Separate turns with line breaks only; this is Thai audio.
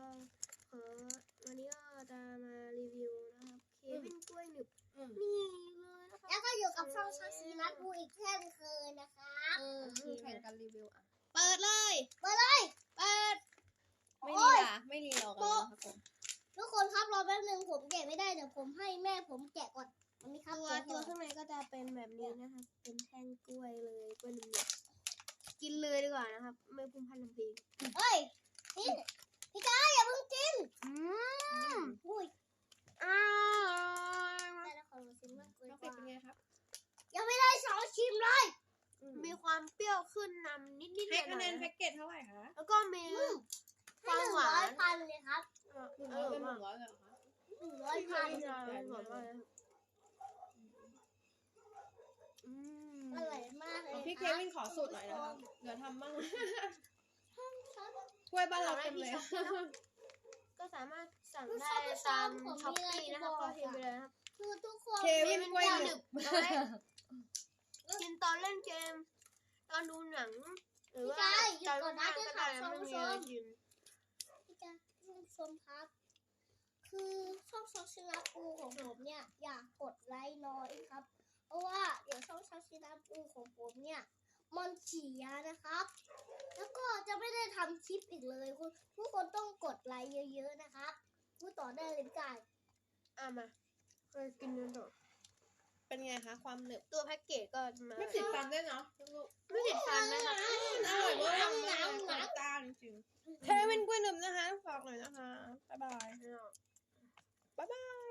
ก็วันนี้ก็จะมารีวิวนะครับเควินกล้วยหนึบนี่เลยนะคะ
แล้วก็อยู่กับช่องชาชีนัทบูอีกเช่นเคยนะครับ
แข่งกันรีวิวอ่ะเปิดเลย
เปิด
ไม่รีรอกันนะครับผม
ทุกคนครับรอแป๊บนึงผมแกะไม่ได้เดี๋ยวผมให้แม่ผมแกะก่อนมันมีครับ
ตัวข้างในก็จะเป็นแบบนี้นะครับเป็นแท่งกล้วยเลยกล้วยหนึบกินเลยดีกว่านะครับไม่พุ่งพันลำพี
เฮ้ยนี่พี่จ้าอย่าเพิ่งกินอุ้ยแต่ละคนมาชิมมากเลยว่า
เป็นไงครับ
ยังไม่ได้สองชิมเลย
มีความเปรี้ยวขึ้นนำนิดๆหน่อยๆ
ให้คะแนนแพ็กเกจเท่าไหร่คะ
แล้วก็มีความหวาน
100,000เลยครับ
เป็น100เลยเหรอคะ
100,000อร่อยมากเลย
พี่เควินขอสูตรหน่อยนะคะเดี๋ยวทำบ้างถ้วยบ้านเราเต็มเลย
ก็สามารถสั่งได้ตามช้อปปี้นะครับก็พิมพ์ไปเลยนะครับ
คือทุกคน
เควินกล้วยหนึบ
กินตอนเล่นเกมตอนดูหนังหรือว่า
ตอนนั่งก็ได้
ไม่มีอะไรกิน
พี่จ้าท่านผู้ชมครับคือช่องช็อกชินาปูของผมเนี่ยอยากกดไลค์น้อยครับเพราะว่าเดี๋ยวช่องช็อกชินาปูของผมเนี่ยมันเสียนะครับแล้วก็จะไม่ได้ทำคลิปอีกเลยทุกคนต้องกดไลค์เยอะๆนะครับพูดต่อได้เลยพี่จ้า
มาเคยกินกันต่อ
เป็นไงคะความหนึบ
ตัวแพ็กเกจก็มา
ไม่ติดฟันด้วยเนาะ
ไม่ติดฟันนะคะ
อร่อยมากตาจริงๆเควินกล้วยหนึบนะคะฝากหน่อยนะคะบ๊ายบาย